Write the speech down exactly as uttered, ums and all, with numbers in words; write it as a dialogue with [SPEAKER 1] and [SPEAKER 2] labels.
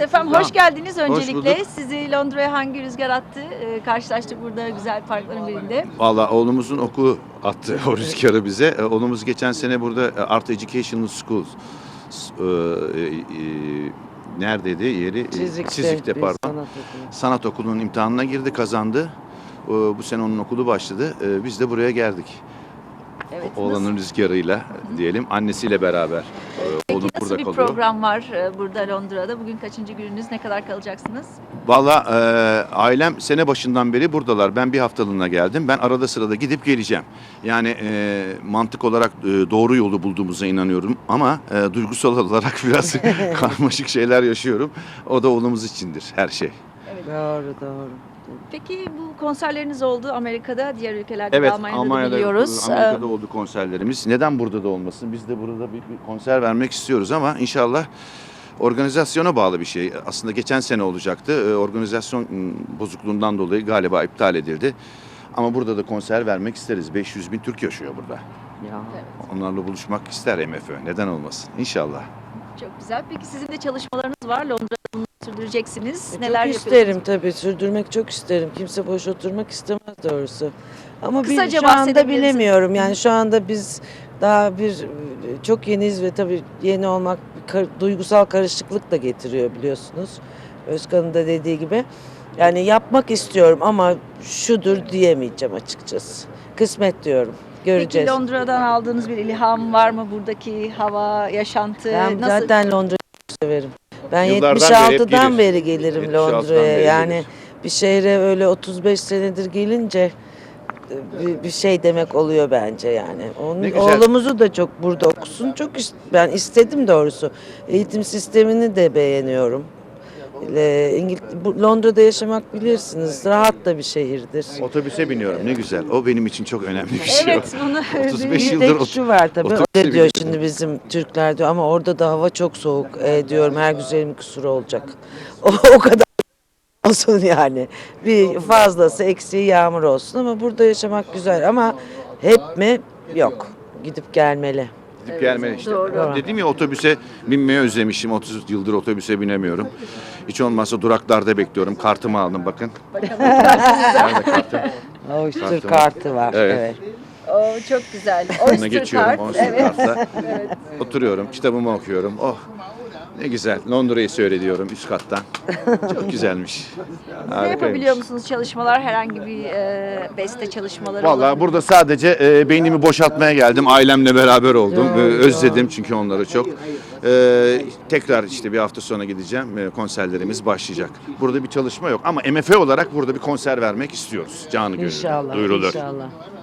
[SPEAKER 1] efendim,
[SPEAKER 2] Tamam.
[SPEAKER 1] hoş geldiniz
[SPEAKER 2] Hoş
[SPEAKER 1] öncelikle.
[SPEAKER 2] bulduk.
[SPEAKER 1] Sizi Londra'ya hangi rüzgar attı? Ee, karşılaştık burada güzel parkların birinde.
[SPEAKER 2] Valla oğlumuzun okulu attı o rüzgarı bize. E, Oğlumuz geçen sene burada e, Art Educational Schools e, e, e, neredeydi yeri? E,
[SPEAKER 3] Çizik'te,
[SPEAKER 2] Çizik'te
[SPEAKER 3] bir
[SPEAKER 2] pardon.
[SPEAKER 3] sanat okulu.
[SPEAKER 2] Sanat okulunun imtihanına girdi, kazandı. E, Bu sene onun okulu başladı. E, Biz de buraya geldik.
[SPEAKER 1] Evet.
[SPEAKER 2] Oğlanın
[SPEAKER 1] Nasıl,
[SPEAKER 2] rüzgarıyla diyelim, annesiyle beraber. E,
[SPEAKER 1] peki
[SPEAKER 2] Oğlum
[SPEAKER 1] nasıl
[SPEAKER 2] burada
[SPEAKER 1] bir
[SPEAKER 2] kalıyor.
[SPEAKER 1] program var e, burada Londra'da? Bugün kaçıncı gününüz? Ne kadar kalacaksınız?
[SPEAKER 2] Valla e, ailem sene başından beri buradalar. Ben bir haftalığına geldim. Ben arada sırada gidip geleceğim. Yani e, mantık olarak e, doğru yolu bulduğumuza inanıyorum. Ama e, duygusal olarak biraz karmaşık şeyler yaşıyorum. O da oğlumuz içindir her şey.
[SPEAKER 3] Doğru doğru.
[SPEAKER 1] Peki bu konserleriniz oldu Amerika'da, diğer ülkelerde de
[SPEAKER 2] Evet,
[SPEAKER 1] Almanya'da, da
[SPEAKER 2] Almanya'da,
[SPEAKER 1] biliyoruz.
[SPEAKER 2] Amerika'da
[SPEAKER 1] Ee,
[SPEAKER 2] oldu konserlerimiz. Neden burada da olmasın? Biz de burada bir, bir konser vermek istiyoruz ama inşallah organizasyona bağlı bir şey. Aslında geçen sene olacaktı. Ee, Organizasyon ım, bozukluğundan dolayı galiba iptal edildi. Ama burada da konser vermek isteriz. beş yüz bin Türk yaşıyor burada.
[SPEAKER 3] Ya.
[SPEAKER 1] Evet,
[SPEAKER 2] Onlarla buluşmak ister M F Ö. Neden olmasın? İnşallah.
[SPEAKER 1] çok güzel. Peki sizin de çalışmalarınız var. Londra'da bunu sürdüreceksiniz.
[SPEAKER 3] E,
[SPEAKER 1] Neler
[SPEAKER 3] çok
[SPEAKER 1] yapıyorsunuz?
[SPEAKER 3] isterim tabii, sürdürmek çok isterim. Kimse boş oturmak istemez doğrusu. Ama bir,
[SPEAKER 1] Kısaca
[SPEAKER 3] şu anda
[SPEAKER 1] bahsedebilir misiniz?
[SPEAKER 3] bilemiyorum. Yani şu anda biz daha bir çok yeniyiz ve tabii yeni olmak bir kar- duygusal karışıklık da getiriyor biliyorsunuz. Özkan'ın da dediği gibi. Yani yapmak istiyorum ama şudur diyemeyeceğim açıkçası. Kısmet diyorum. Göreceğiz.
[SPEAKER 1] Peki Londra'dan aldığınız bir ilham var mı? Buradaki hava, yaşantı
[SPEAKER 3] Ben
[SPEAKER 1] nasıl?
[SPEAKER 3] zaten Londra'yı çok severim. Ben
[SPEAKER 2] Yıllardan beri hep
[SPEAKER 3] yetmiş altıdan
[SPEAKER 2] gelir.
[SPEAKER 3] beri gelirim
[SPEAKER 2] yetmiş altıdan
[SPEAKER 3] Londra'ya.
[SPEAKER 2] beri
[SPEAKER 3] Yani
[SPEAKER 2] gelir.
[SPEAKER 3] bir şehre öyle otuz beş senedir gelince bir, bir şey demek oluyor bence yani. Onun
[SPEAKER 2] Ne güzel.
[SPEAKER 3] oğlumuzu da çok burada okusun. Çok ist- ben istedim doğrusu. Eğitim sistemini de beğeniyorum. Ee, İngil- bu- Londra'da yaşamak bilirsiniz. Rahat da bir şehirdir.
[SPEAKER 2] Otobüse biniyorum. Ne güzel. O benim için çok önemli bir şey.
[SPEAKER 1] Evet, bunu
[SPEAKER 2] otuz beş
[SPEAKER 3] Bir
[SPEAKER 2] yıldır
[SPEAKER 3] tek
[SPEAKER 2] ot-
[SPEAKER 3] şu var tabii.
[SPEAKER 2] otobüse
[SPEAKER 3] Öyle diyor
[SPEAKER 2] biniyorum.
[SPEAKER 3] şimdi bizim Türkler diyor ama orada da hava çok soğuk. E, diyorum her güzelin kusuru olacak. O, o kadar olsun yani. Bir fazlası eksiği yağmur olsun ama burada yaşamak güzel ama hep mi? Yok. Gidip gelmeli.
[SPEAKER 2] Gidip gelmeli işte.
[SPEAKER 1] doğru.
[SPEAKER 2] Dedim ya, otobüse binmeyi özlemişim. otuz yıldır otobüse binemiyorum. Hiç olmazsa duraklarda bekliyorum. Kartımı aldım bakın. Nerede kartım?
[SPEAKER 3] O Oyster
[SPEAKER 2] Kartı var.
[SPEAKER 3] kartı var.
[SPEAKER 2] Evet.
[SPEAKER 3] Evet.
[SPEAKER 1] O çok güzel.
[SPEAKER 2] Ona
[SPEAKER 1] Oyster
[SPEAKER 2] geçiyorum.
[SPEAKER 1] Card.
[SPEAKER 2] Oyster
[SPEAKER 1] Evet.
[SPEAKER 2] Card'la. Oturuyorum. Kitabımı okuyorum. Oh, ne güzel. Londra'yı seyrediyorum üst kattan. Çok güzelmiş.
[SPEAKER 1] Ne
[SPEAKER 2] Harikaymış.
[SPEAKER 1] yapabiliyor musunuz çalışmalar? Herhangi bir e, beste çalışmaları
[SPEAKER 2] Vallahi
[SPEAKER 1] olabilir mi?
[SPEAKER 2] burada sadece e, beynimi boşaltmaya geldim. Ailemle beraber oldum. E, özledim çünkü onları çok. E, tekrar işte bir hafta sonra gideceğim. E, konserlerimiz başlayacak. Burada bir çalışma yok ama M F Ö olarak burada bir konser vermek istiyoruz. Canı gönülden.
[SPEAKER 3] İnşallah.
[SPEAKER 2] Duyurulur.
[SPEAKER 3] İnşallah.